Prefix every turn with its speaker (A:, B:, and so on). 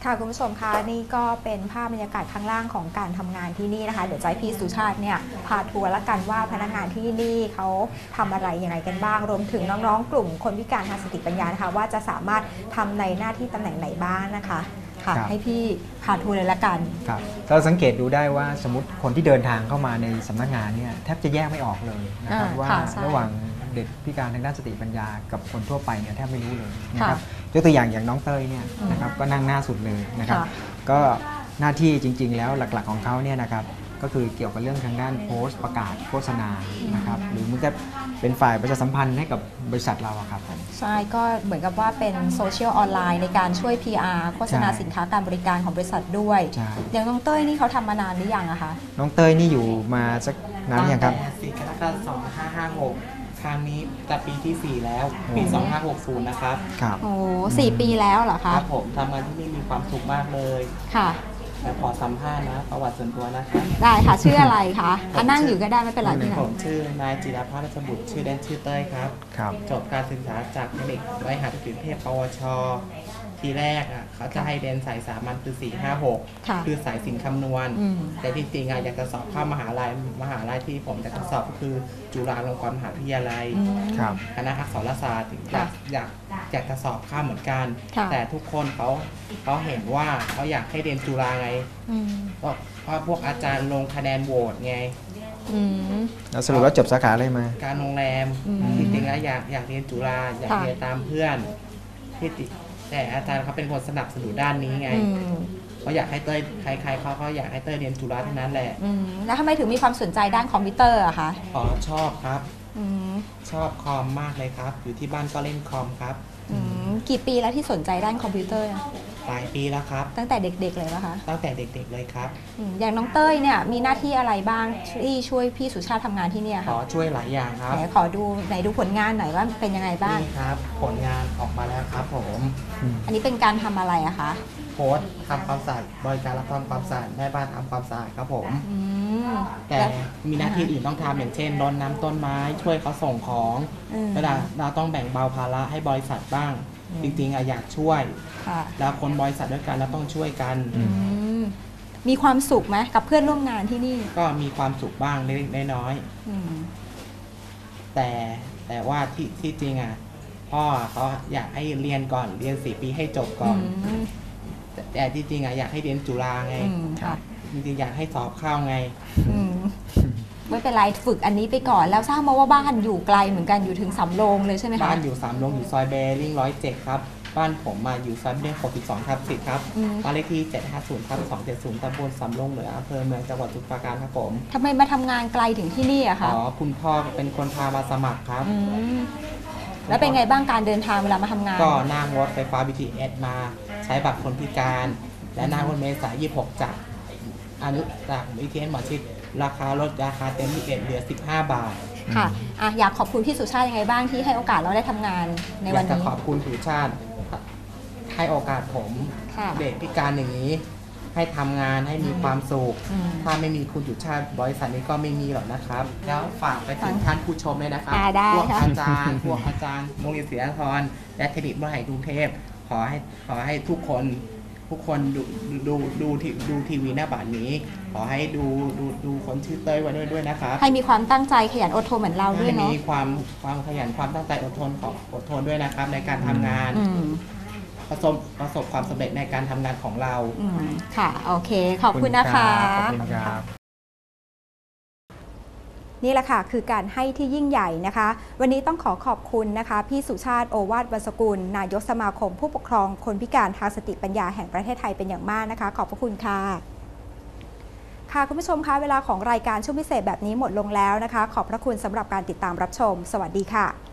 A: ค่ะคุณผู้ชมคะนี่ก็เป็นภาพบรรยากาศข้างล่างของการทำงานที่นี่นะคะเดี๋ยวจะให้พี่สุชาติเนี่ยพาทัวร์ละกันว่าพนักงานที่นี่เขาทำอะไรยังไงกันบ้างรวมถึงน้องๆกลุ่มคนพิการทางสติปัญญานะคะว่าจะสามารถทำในหน้าที่ตำแหน่งไหนบ้างนะคะค่ะให้พี่พาทัวร์เลยละกัน
B: ครับเราสังเกตดูได้ว่าสมมติคนที่เดินทางเข้ามาในสำนักงานเนี่ยแทบจะแยกไม่ออกเลยนะครับว่าระหว่างเด็กพิการทางด้านสติปัญญากับคนทั่วไปเนี่ยแทบไม่รู้เลยนะครับยกตัวอย่างน้องเต้ยเนี่ยนะครับก็นั่งหน้าสุดเลยนะครับก็หน้าที่จริงๆแล้วหลักๆของเขาเนี่ยนะครับก็คือเกี่ยวกับเรื่องทางด้านโพสต์ประกาศโฆษณานะครับหรือมันจะเป็นฝ่ายประชาสัมพันธ์ให้กับบริษัทเราครับ
A: ใช่ก็เหมือนกับว่าเป็นโซเชียลออนไลน์ในการช่วย PR โฆษณาสินค้าการบริการของบริษัทด้วยอย่างน้องเต้ยนี่เขาทำมานานหรือยังอะคะ
B: น้องเต้ยนี่อยู่มาสักนานหรือยังครับ
C: 4 กรกฎาคม 2556ครั้งนี้จะปีที่ 4 แล้วปี 2560นะครับ
B: ครับ
A: โอ้4 ปีแล้วเหรอคะ
C: ครับผมทำงานที่นี่มีความสุขมากเลย
A: ค่ะ
C: แต่ขอสัมภาษณ์นะประวัติส่วนตัวนะครับ
A: ได้ค่ะชื่ออะไรคะนั่งอยู่ก็ได้ไม่เป็นไรที่ไหน
C: ผมชื่อนายจิรพัฒน์ราชบุตรชื่อเล่นชื่อเต้ยครับจบการศึกษาจากเทคนิคบริหารธุรกิจเทพปวชทีแรกเขาจะให้เรียนสายสามัญคือ4-5-6คือสายศิลป์คำนวณแต่จริงๆอยากจะสอบเข้ามหาลัยที่ผมจะสอบก็คือจุฬาลงกรณ์มหาวิทยาลัยคณะอักษรศาสตร์อยากจะสอบเข้าเหมือนกันแต่ทุกคนเขาเห็นว่าเขาอยากให้เรียนจุฬาไงเพราะพวกอาจารย์ลงคะแนนโหวตไง
B: แล้วสรุปว่าจบสาขาอะไรมา
C: การโรงแรมจริงๆแล้วอยากเรียนจุฬาอยากเรียนตามเพื่อนที่แต่อาจารย์เขาเป็นคนสนับสนุนด้านนี้ไงเขาอยากให้เต้ยใครเขาอยากให้เต้ยเรียนจุฬาทั้งนั้นแหละ
A: แล้วทำไมถึงมีความสนใจด้านคอมพิวเตอร์อะคะ
C: ชอบครับชอบคอมมากเลยครับอยู่ที่บ้านก็เล่นคอมครับ
A: กี่ปีแล้วที่สนใจด้านคอมพิวเตอร์
C: หลายปีแล้วครับ
A: ตั้งแต่เด็กๆเลยป่ะคะ
C: ตั้งแต่เด็กๆเลยครับ
A: อย่างน้องเต้ยเนี่ยมีหน้าที่อะไรบ้างที่ช่วยพี่สุชาติทำงานที่นี่คะ
C: ช่วยหลายอย่างครับ
A: ขอดูไหนดูผลงานหน่อยว่าเป็นยังไงบ้าง
C: นี่ครับผลงานออกมาแล้วครับผม
A: อันนี้เป็นการทำอะไรอะคะ
C: โพสต์ทำความสะอาดบริการรับทำความสะอาดแม่บ้านทำความสะอาดครับผมแต่มีหน้าที่อื่นต้องทำอย่างเช่นรดน้ำต้นไม้ช่วยเขาส่งของแล้วเราต้องแบ่งเบาภาระให้บริษัทบ้างจริงๆอยากช่วยแล้วคนบริษัทด้วยกันแล้วต้องช่วยกัน
A: มีความสุขไหมกับเพื่อนร่วมงานที่นี่
C: ก็มีความสุขบ้างเล็กๆน้อยๆแต่ว่าที่จริงพ่อเขาอยากให้เรียนก่อนเรียน4 ปีให้จบก่อนแต่ที่จริงอยากให้เรียนจุฬาไงจริงๆอยากให้สอบเข้าไง
A: ไม่เป็นไรฝึกอันนี้ไปก่อนแล้วทราบมาว่าบ้านอยู่ไกลเหมือนกันอยู่ถึงสำโรงเลยใช่ไหมคะ
C: บ้านอยู่สำโรงอยู่ซอยเบริ่ง107ครับบ้านผมอยู่ซอยเบริ่ง62/10ครับบ้านเลขที่750/270ตำบลสำโรงเหนืออำเภอเมืองจังหวัดสมุทรปราการครับผม
A: ทำไมมาทำงานไกลถึงที่นี่อะคะ
C: คุณพ่อเป็นคนพามาสมัครครับ
A: แล้วเป็นไงบ้างการเดินทางเวลามาทำงาน
C: ก็นั่งรถไฟฟ้า BTS มาใช้บัตรคนพิการและนั่งรถเมล์สาย26จากBTS หมอชิดราคาเต็ม21เหลือ15 บาท
A: ค่ะอยากขอบคุณพี่สุชาติยังไงบ้างที่ให้โอกาสเราได้ทำงานในวันนี้
C: อยากจะขอบคุณสุชาติให้โอกาสผมเด็กพิการอย่างนี้ให้ทำงานให้มีความสุขถ้าไม่มีคุณสุชาติบริษัทนี้ก็ไม่มีหรอกนะครับแล้วฝากไปถึงท่านผู้ชมเลยนะครับพวกอาจารย์โรงเรียนศรีนครและเทคนิคมหาวิทยาลัยกรุงเทพขอให้ทุกคนดูทีวีหน้าบัตรนี้ขอให้ดูคนชื่อเต้ยไว้ด้วยนะครับ
A: ให้มีความตั้งใจขยันอดทนเหมือนเราด้วยเนาะ
C: มีความขยันความตั้งใจอดทนด้วยนะครับในการทำงานประสบความสำเร็จในการทำงานของเรา
A: ค่ะโอเคขอบคุณนะคะ
B: ขอบคุณครับ
A: นี่แหละค่ะคือการให้ที่ยิ่งใหญ่นะคะวันนี้ต้องขอบคุณนะคะพี่สุชาติโอวาทวรรณสกุลนายกสมาคมผู้ปกครองคนพิการทางสติปัญญาแห่งประเทศไทยเป็นอย่างมากนะคะขอบพระคุณค่ะค่ะคุณผู้ชมคะเวลาของรายการช่วงพิเศษแบบนี้หมดลงแล้วนะคะขอบพระคุณสำหรับการติดตามรับชมสวัสดีค่ะ